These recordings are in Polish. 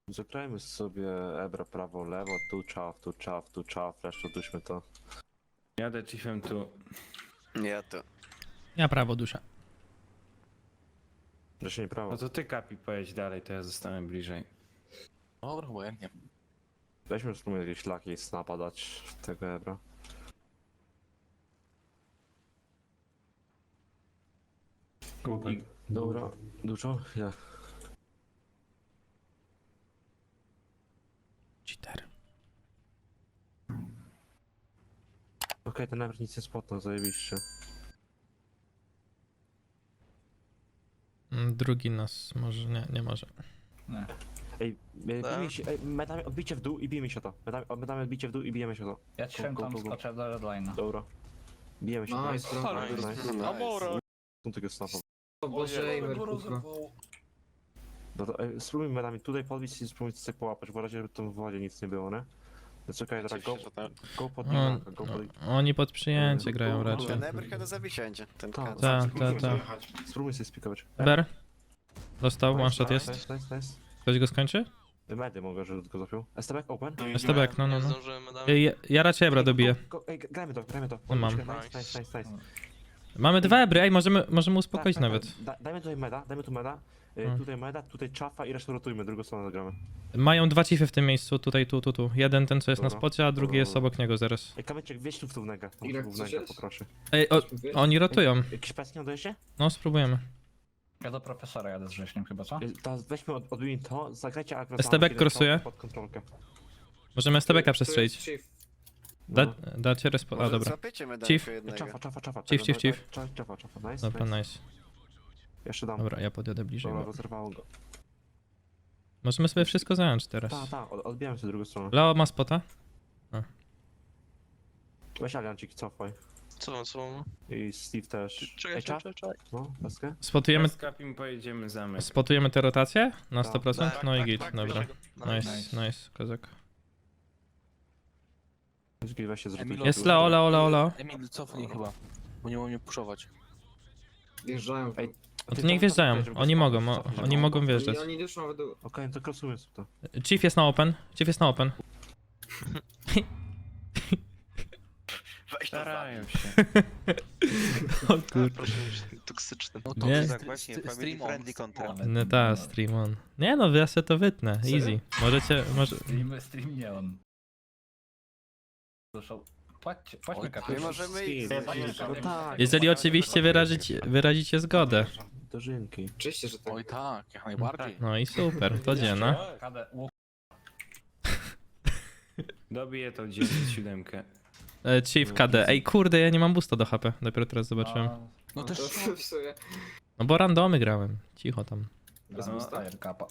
Zagrajmy sobie Ebra prawo, lewo, tu czaw, resztę duśmy to. Jadę chiefem tu. Ja to. Ja prawo duszę. Jeszcze nie prawo. No to ty Kapi pojedź dalej, to ja zostanę bliżej. Dobra, obojętnie. Weźmy spróbujmy jakieś laki i snapa dać w tego Ebra. Dobra, dużo? Ja. Cheater. Okej, ten Ebra nic nie spotnął, zajebiście. Drugi nas może, nie może. Ej, bijmy się, ej, medami odbicie w dół i bijmy się to. Medami odbicie w dół i bijemy się to. Ja ci tam go. skoczę do redline'a. Dobra. Bijemy się, Nice, nice. Amora! Są tego snapa. O Boże, Eimer, kurwa. No to spróbujmy medami tutaj podbić i spróbujmy coś połapać, bo razie w wodzie nic nie było, nie? No czekaj, teraz go pod Nilaka, go pod... Oni pod przyjęcie grają raczej. Ten Eber chyba do zabicia będzie. Ten Tak, kat. Tak, Spróbuj sobie spikować. Ber? Dostał, one shot jest. Nice. Ktoś go skończy? Medy mogę, że go zapiął. STB open? STB, no. Zdążyłem, madam. Ja raczej Ebra dobiję. Ej, grajmy to. No mam. Nice. Mamy dwa Ebry, ej, możemy uspokoić Tak, nawet. Dajmy tutaj meda, tutaj meda, tutaj czafa i resztę rotujmy, drugą stronę zagramy. Mają dwa chiefy w tym miejscu, tutaj, tu. Jeden ten co jest na Dobra. spocie, a drugi jest obok niego zaraz. Ej, kamyczek, wieź tu w wnękę. Irek, coś jest? Poproszę. Ej, oni rotują. Jakiś peskie odejście? No, spróbujemy. Ja do profesora jadę z wrześniem chyba, co? Teraz weźmy, odbijmy to, zagrajcie agro. STB crossuje. Pod kontrolkę. Możemy STB'ka Tu przestrzelić. jest chief. Dacie respo... A, Może dobra. złapiecie medalkę Chief. jednego. Czafa. Chief. Czafa, nice. Dobra, nice. Jeszcze dam. Dobra, ja podjadę bliżej. Dobra, Bo... rozerwało go. Możemy sobie wszystko zająć teraz. Odbijamy się drugą stronę. Leo ma spota? Weź aliancik, cofaj. Co? I Steve też. Czekaj. No, peskę. Spotujemy, Z Kapim pojedziemy zamek. spotujemy te rotacje na Tak. 100%? No i git, tak, dobra. Nice. Nice, kozak. Weź się zrobić. Jest Leo. Emil, cofnij chyba, bo nie mogą mnie puszować. Wjeżdżają. Ej, No to niech wjeżdżają, oni mogą wjeżdżać. Oni już nawet do... Okej, to krosujmy to. Chief jest na open. Weź to Starają się. O kur... Proszę, toksyczny. No Nie. to tak właśnie, family friendly content. No ta, stream on. Nie no, ja se to wytnę, easy. Może... Stream nie on. Zresztą, płaćmy Oj, kapitał. My możemy iść. No tak. Jeżeli oczywiście wyrazicie zgodę. Dożynki. Oczywiście, że tak. Oj tak, jak najbardziej. No i super, to dziena. KD, Dobiję to 9-7. Chief KD. Ej kurde, ja nie mam boosta do HP, dopiero teraz zobaczyłem. No też to w sumie. No bo randomy grałem, cicho tam. Bez No, mózga? kapa.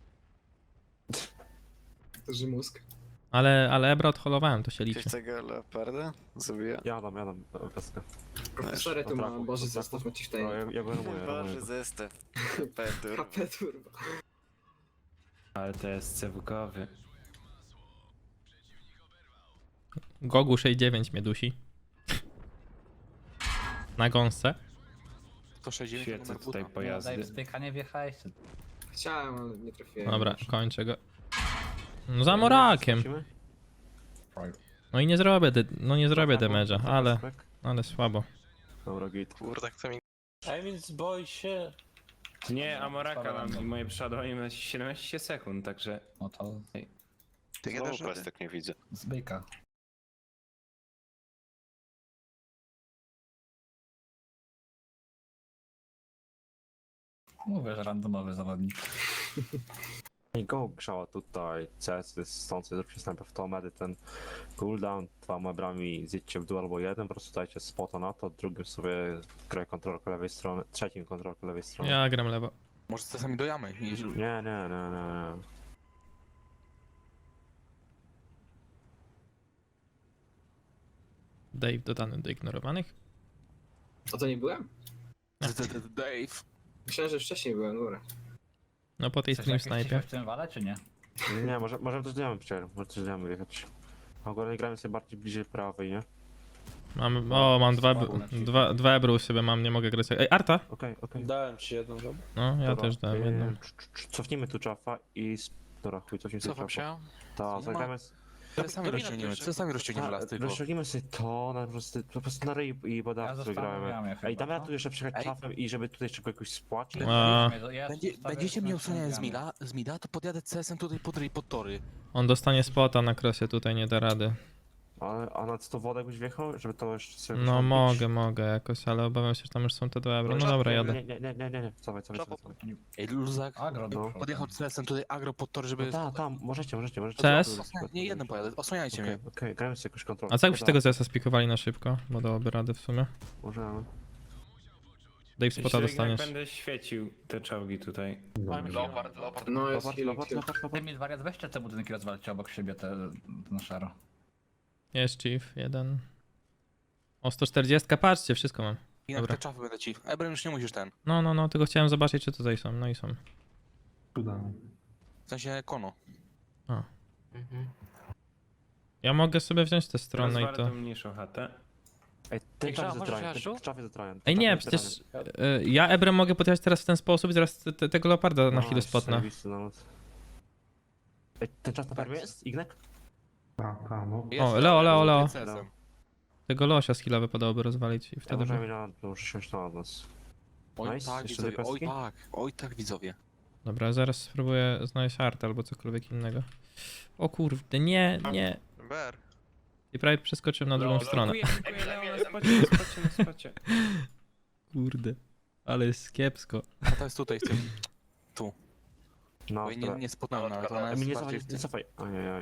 To że mózg. Ale Ebra odholowałem, to się Ktoś liczy. tego leoparda? Zabija. Jadam, peskę. Profesory tu ma, Boże, zestaw ci w tej. No, ja go remuję. Boże, zestaw. Petur. HP turbo. Ale to jest cewkowy. Gogu 69 mnie dusi. Na gąsce. to 60 Świecę numer tutaj buta. Daj pojazdy. wstyka, nie wjechałeś. Chciałem, ale nie trafiłem. Dobra, kończę go. No za morakiem. No i nie zrobię, nie zrobię damage'a, ale słabo. Dobra, git. Kurde, chce mi... Emil, boi się. Nie, Amoraka mam i moje przeładowanie ma 17 sekund, także... No to Ty Znowu też plastik nie widzę. zbyka. Mówię, że randomowy zawodnik. I go grzała tutaj, CS jest stąd, zróbcie snajper w to, medy ten cooldown, dwoma brami zjedźcie w dół albo jeden, po prostu dajcie spota na to, drugim sobie graj kontrolkę lewej strony, trzecim kontrolkę lewej strony. Ja gram lewo. Może czasami do jamy. Nie. Dave dodany do ignorowanych. A to nie byłem? Dave. Myślałem, że wcześniej byłem, dobra. No po tej Chcesz stream jakieś snajpie. cichy w tym wale, czy nie? Nie, możemy też diamy przyjaciół, może też diamy jechać. Ogólnie gramy sobie bardziej bliżej prawej, nie? Mam dwa ebry u siebie mam, nie mogę grać. Ej, Arta! Okej. Dałem ci jedną, dobra? No, ja Dobra, też dałem jedną. Cofnijmy tu czafa i Dobra, chuj, coś mi Cofam się. Ta, ma. zagramy... Sami rozciągniemy, co sami rozciągniemy las tylko. Rozciągniemy sobie to, po prostu na ryj i Ja bodawcy zostawiam gramy. jamie chyba, Ej, damy co? tu jeszcze przejechać Ej. czafem i żeby tutaj jeszcze jakoś spłacić? A, Będziecie mnie osłaniać z mida, to podjadę CS-em tutaj pod ryj, pod tory. on dostanie spota na krosie, tutaj nie da rady. A na co to wodę byś wjechał, żeby to jeszcze sobie No wystąpić? mogę jakoś, ale obawiam się, że tam już są te dwa euro. No dobra, jadę. Nie, cofaj. Ej, luzak. Agro do No. przodu. Podjechał CS-em tutaj agro pod tory, żeby... No tam, możecie. CS? Nie, jeden pojadę, osłaniajcie mnie. Okej, gramy sobie jakąś kontrolę. A co jakbyście tego zesa spikowali na szybko? Bo dałoby radę w sumie. Możemy. Dave spota Jak dostaniesz. będę świecił te czołgi tutaj. No jest healing. Ty mi wariat, weźcie te budynki rozwalcie obok siebie, te na szaro. Jest chief, jeden. O, 140, patrzcie, wszystko mam. I na Dobra. te czafy będę ci. Ebrem już nie musisz ten. No, tylko chciałem zobaczyć, czy tutaj są. No i są. W sensie kono. Ja mogę sobie wziąć tę stronę i Rozwalę to... tą mniejszą chatę. Ej, ten czaf jest zatrajan. Ej, nie, przecież ja Ebrem mogę podjechać teraz w ten sposób i zaraz tego leoparda na chwilę spotnę. Ej, ten czaf na permie jest? Ignek? O, Leo. CS-em. Tego losia z heala wypadałoby rozwalić i Ja wtedy możemy by... na muszę siąść na nas. Oj Nice, tak, jeszcze widzowie, dwie kostki? oj tak widzowie. Dobra, zaraz spróbuję znaleźć art albo cokolwiek innego. O kurde, nie. Ber. I prawie przeskoczyłem na drugą stronę. Dziękuję, Leo, na spocie. Kurde, ale jest kiepsko. A to jest tutaj, w tym. No, Oj, nie spotnąłem nawet, ona Emil, jest nie bardziej cofaj, w nie tym. cofaj. Ajajaj.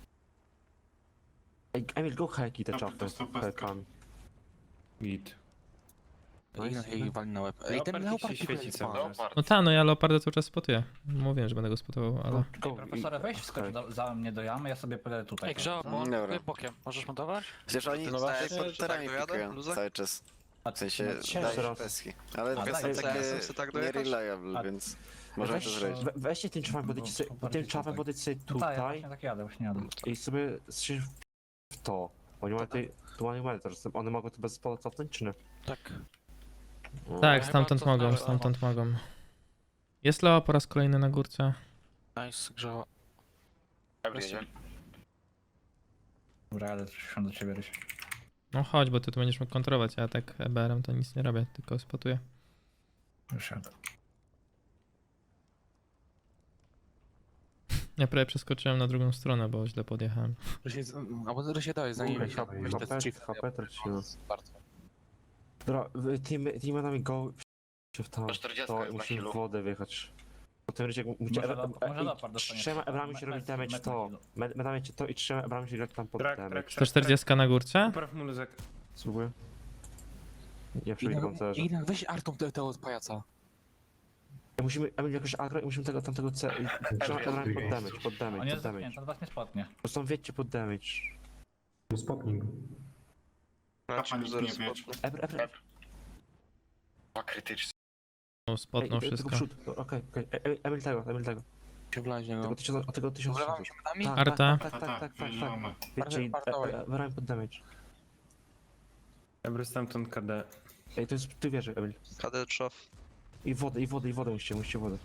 Ej, Emil, go heki te czapy. Hekami. Git. I na jej wali na łeb. Ej, ten Leopard leopard się świeci cały czas. No ta, no ja leoparda cały czas spotuję. Mówiłem, że będę go spotował, ale... Profesorze, weź skocz za mnie do jamy, ja sobie pójdę tutaj. Dobra. Bokiem. Możesz montować? Przecież oni No tak właśnie, pod terami pikują cały czas. W sensie Ciężko. dają peski. Ale A, są daj, takie tak nie-reliable, A- więc możemy to zrobić. Weźcie tym czafem, podejść sobie No tak, ja tutaj właśnie tak jadę, właśnie jadę. i sobie się w to. Oni mają tutaj, tu mają mentor, one mogą to bez spola cofnąć, czy nie? Tak. No. Tak, stamtąd mogą. Jest Leo po raz kolejny na górce. Nice, grzała. Dobra, jadę się do ciebie, Ryś. No chodź, bo ty tu będziesz mógł kontrolować, a ja tak EBR-em to nic nie robię, tylko spotuję. Już jadę. Ja prawie przeskoczyłem na drugą stronę, bo źle podjechałem. Albo to się daje, zanim weź te chief. HP tracimy. Bardzo. Dobra, tymi nami go się w tam, to i musimy w wodę wjechać. Po tym rycie Może leopard dostanie. trzema ebrami się robi damage to. Medami cię to i trzema ebrami się grać tam pod Trak, damage. 140 na górce? Popraw mu luzek. Spróbuję. Nie przebić pancerza. I weź Artą tego od pajaca. Musimy, Emil, jakoś agro i musimy tamtego C... Trzema ebrami pod On damage. jest zamknięty, on was nie spotnie. Po prostu wiecie pod damage. Ebr. No, spotnął wszystko. Okej. Emil tego. Się wlać niego. Tego 1000. Wlewamy się medami? Arta. Tak. Wiecie, ebrami pod damage. Ebry stamtąd KD. Ej, to jest, ty wierzy, Emil. KD trzaf. I wodę musicie wodę.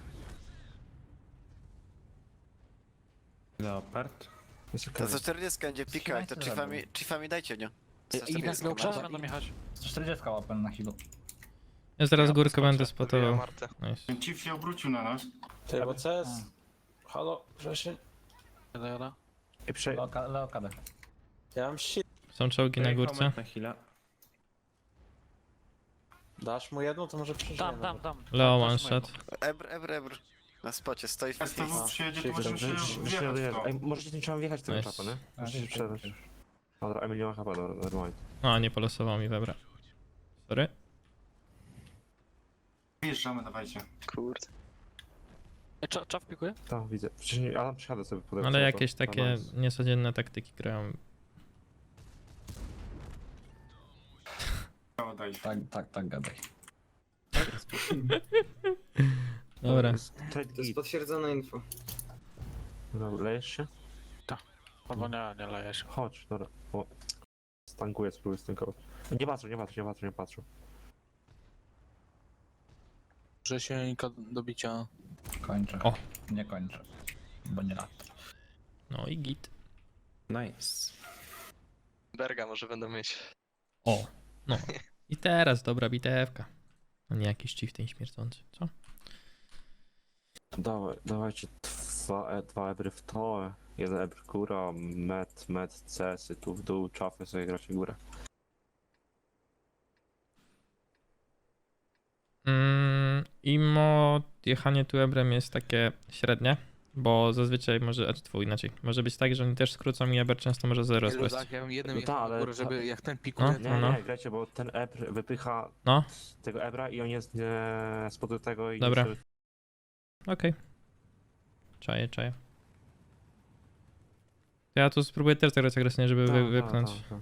Leopard. Jest To okej. za 40 będzie pikać, to chiefami dajcie, nie? I nas leopard będą jechać. 140 łapem na healu. Ja zaraz górkę będę spotował. Nice. Ten chief się obrócił na nas. Ty, bo CS. Halo, Grzesień? Ej, Leo KD. Ja mam shit. Są czołgi na Dojechał górce. mat na heala. Dasz mu jedną, to może przeżyjemy. Leo one shot. Ebr. Na spocie, stoi w STW przyjedzie, to możemy się wjechać w to. Ej, możecie tym trzeba wjechać w tego Nice. czapa, nie? Możecie się sprzedać. Dobra, Emil nie ma chyba, normalnie. A, nie polosował mi webra. Sorry. Wjeżdżamy, dawajcie. Kurde. Czaw pikuje? Tak, widzę. Wcześniej Adam przyjadę sobie podać. Ale jakieś takie niecodzienne taktyki grają. Brawo, daj. Tak, gadaj. Dobra. To jest potwierdzone info. Dobra, lejesz się? Albo nie lejesz. Chodź, dobra. O. Stankuję, spróbuję z tym koło. Nie patrzą. Że się do bicia. Kończę. O. Nie kończę. Bo nie lat. No i git. Nice. Berga może będą mieć. O, no. I teraz dobra bitewka. No nie jakiś chieftain śmierdzący, co? Dawajcie dwa ebry w to, jeden ebr góra, med, cesy, tu w dół, czafy sobie gracie górę. Imo jechanie tu ebrem jest takie średnie, bo zazwyczaj może, a tu inaczej, może być tak, że oni też skrócą i eber często może zero spaść. Tak, ja bym jednym No jechał tak, na ale górę, żeby ta- jak ten pikuje, No. Nie, grajcie, bo ten ebr wypycha No, tego ebra i on jest nie spod tego i Dobra. nie okej. Czaję. Ja tu spróbuję też zagrać agresywnie, żeby wypchnąć. Tak.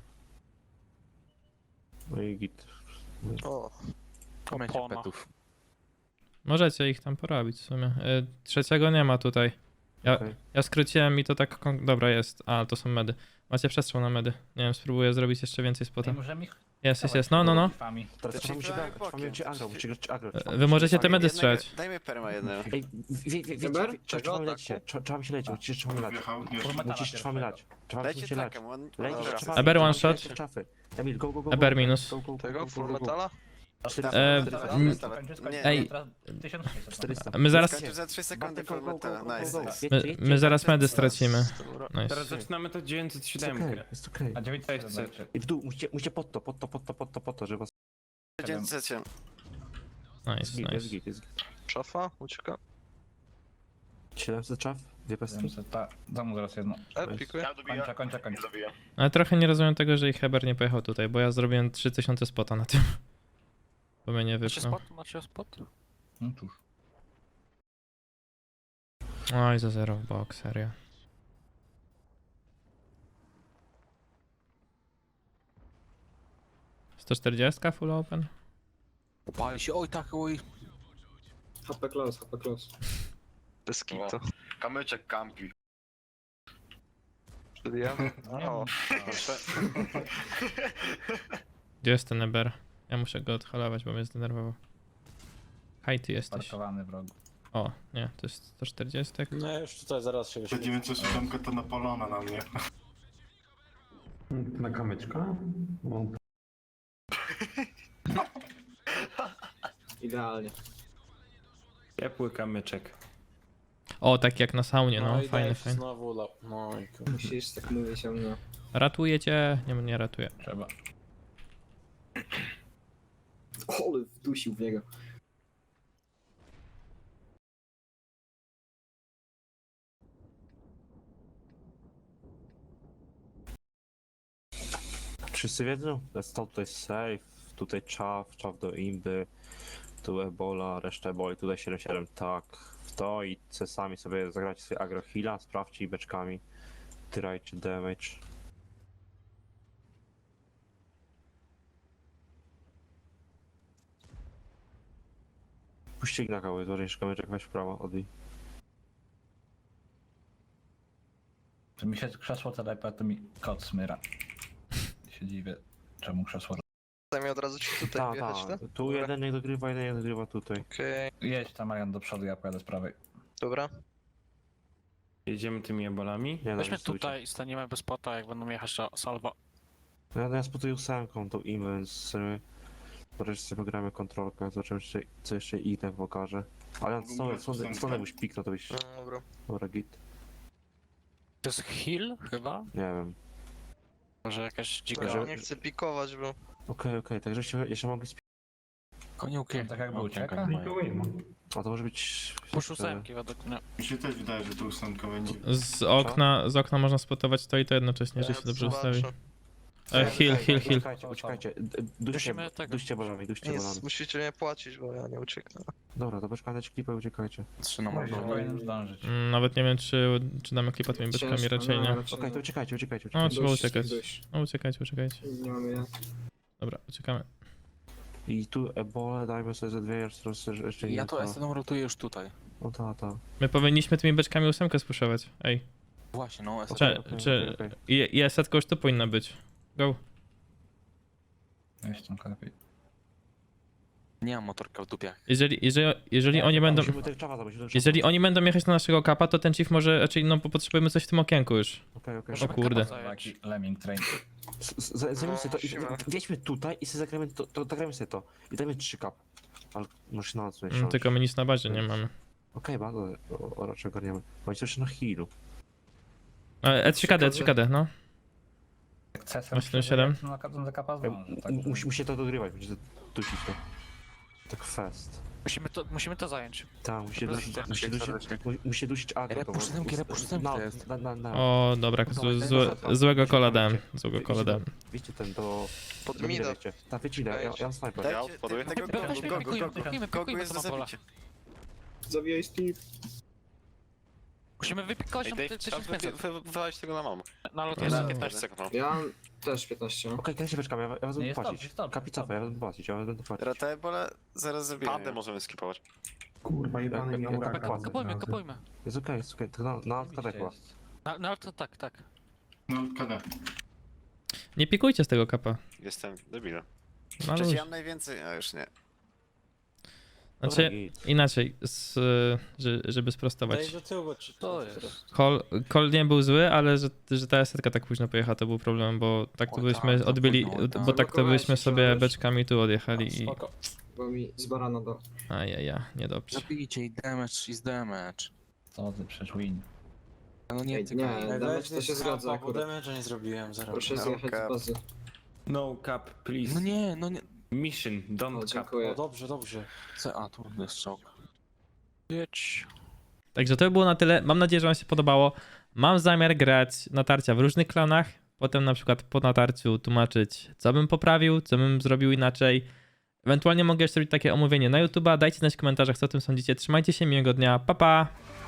No i git. O, komencie petów. Możecie ich tam porobić w sumie. Trzeciego nie ma tutaj. Okej. Ja skróciłem i to tak. Dobra, jest. A, to są medy. Macie przestrzał na medy. Nie wiem, spróbuję zrobić jeszcze więcej Nie spota. możemy ich... Jest. No. Chiefami. Teraz Te trzeba chiefy się bokiem. grać agro, musicie grać agro. Wy możecie te medy strzelać. Dajmy perma jednego. Ej, Eber? trzeba mi leć, trzeba mi się leć, trzeba mi lać. Wjechał, Trzeba mi lać. Trzeba Dajcie się lać. takem, on... Leć, Dobra. trzeba. Eber one trzeba shot. leć szafy. Emil, go. Eber minus. Go. Tego, full metala? Nie, Ej. 1600. 400. My zaraz, Skończył za 3 sekundy full Go. metala, nice. my zaraz medy stracimy. Teraz Nice. zaczynamy to 907. Jest okej. A 900 Cześć. I w dół, musicie pod to, żeby was... 900. Nice. Jest git. Szafa, ucieka. 700 czaf, dwie pestki. 700, ta. Zamu zaraz jedno. Pikuję. Kończę. Ale trochę nie rozumiem tego, że ich Eber nie pojechał tutaj, bo ja zrobiłem 3000 spota na tym. Bo mnie nie wypchnął. Macie spot? No cóż. Oj, za 0 w bok, serio. ...140 full open? Pali się, oj tak, oj. HP close. Bez kitu. Kamyczek kampi. O, Gdzie jest ten Eber? Ja muszę go odholować, bo mnie zdenerwował. Hej, ty jesteś. Parkowany wrogu. O, nie, to jest 140. No już tutaj zaraz się Te wyświetli. 907 to napalona na mnie. Na kamyczka? Idealnie. Ciepły kamyczek. O, tak jak na saunie, no, i fajny, daj fajny. Znowu no i kurwa. Musisz tak mówić o mnie. Ratuje cię? Nie ratuje. Trzeba. Ole, wdusił w niego. Wszyscy wiedzą? Stał tutaj safe, tutaj czaf do imby, tu ebola, reszta eboli, tutaj 7-7, tak. W to i sami sobie zagrajcie sobie agro heala, sprawdźcie i beczkami. Tyrajcie damage. Puśćcie na kały, złożenie kamyczek, weź w prawo, odbij. Czy mi się krzesło telepie, to mi kot smyra. Się dziwię, czemu krzesło... Zajmie od razu ci tutaj Tak, wjechać, tak? tu jeden nie dogrywa, jeden nie dogrywa tutaj. Okej, Jedź tam, Marian, do przodu, ja pojadę z prawej. dobra. Jedziemy tymi ebolami. Nie, Weźmy stójcie. tutaj, staniemy bez spota, jak będą jechać do salwa. Ja spotuję ósemką tą imbę, więc wreszcie sobie pogramy kontrolkę, zobaczymy co jeszcze inne pokaże. Ale stąd jakbyś piknął, to byś... No, dobra. Dobra, git. To jest heal chyba? Nie wiem. Może jakaś dzika... Że- Nie chcę pikować, bo... Okej, także jeszcze mogli Koniuki. Tak jakby ucieka? A to może być... Push ósemki według mnie. Mi się też wydaje, że tu 8 będzie. Z okna można spotować to i to jednocześnie, że się dobrze ustawi. Heal. Uciekajcie. Dusimy tego. Duście bolami. Nic, musicie mnie płacić, bo ja nie ucieknę. Dobra, to poczekajcie klipę, uciekajcie. 3 na Może morzu. powinienem zdążyć. Nawet nie wiem, czy damy klipa tymi beczkami, raczej nie. Okej, to uciekajcie. No, trzeba uciekać. No, uciekajcie. Nie mamy ja. Dobra, uciekamy. I tu ebole dajmy sobie ze dwie jeszcze Ja to SN rotuję już tutaj. No ta. My powinniśmy tymi beczkami ósemkę spuszować. Ej, Właśnie, no SN. czy i setka już tu powinna być. Go. Jest tam lepiej. Nie mam motorka w dupie. Jeżeli oni będą... Musimy tego czawa zrobić. Jeżeli oni będą jechać na naszego kapa, to ten chief może, raczej no bo potrzebujemy coś w tym okienku już. Okej. O kurde. Taki lemming train. Zajmijmy sobie to i Siema. wjedźmy tutaj i sobie zagramy to, zagramy sobie to. I dajmy 3 kap. Ale muszę na noc Tylko my nic na bazie nie mamy. Okej, bardzo raczej ogarniemy. Bądź jeszcze na healu. E3KD, no. Jak CSM 8-7. na kapę za kapa zdąży, tak? Musi to dogrywać, będzie dusić to. Tak fast. Musimy to zająć. Tak, musi dusić agro. Repusz bo- siódemki, repusz siódemki to jest. O, dobra, złego kola dałem. Złego kola dałem. Wiecie ten do... Pod do mida. wiecie. Tak, wiecie ile, ja mam snajper. Ja odpaduję. Pikujmy to na pola. Zawijaj Steve. Musimy wypikować Ej, tam Dave, 1500. trzeba wywalić tego na mamę. Na lot Jest jest. 15 sekund mam. Ja mam też 15. Okej, kręćcie beczkami, ja Nie, będę jest płacić. dobrze, jest dobrze, Kapicofa, ja będę płacić, ja będę płacić. Ratebole zaraz zrobimy. Pandę możemy skipować. Kurwa, jebany Jak- miał jak- raka. jak- Kapujmy. Jest okej, to na odkładek chyba. Na lot to tak. No, kada. Nie pikujcie z tego kapa. Jestem debilem. No, Przecież luz. ja mam najwięcej, a już nie. Znaczy, inaczej, żeby sprostować. Daj do tyłu, bo czy To jest. Call nie był zły, ale że ta setka tak późno pojechała, to był problem, bo tak to Oj, byśmy tak, to odbyli, późno, tak. bo tak to byśmy sobie Zablokowałeś, beczkami tu odjechali i... Spoko. Bo mi z barana do... Ajaja, niedobrze. Zabijcie i damage. Co ty, przecież win. No nie, Ej, tylko... nie. Damage to Weź się zgadza bo akurat. damage'a nie zrobiłem, zaraz. Proszę No, zjechać cap. z bazy. No cap, please. No nie. Mission, O, don't cap. dziękuję. O, dobrze. A, tu jest czołg. Jedź. Także to by było na tyle. Mam nadzieję, że wam się podobało. Mam zamiar grać natarcia w różnych klanach. Potem na przykład po natarciu tłumaczyć, co bym poprawił, co bym zrobił inaczej. Ewentualnie mogę jeszcze robić takie omówienie na YouTube'a. Dajcie znać w komentarzach, co o tym sądzicie. Trzymajcie się, miłego dnia. Pa, pa!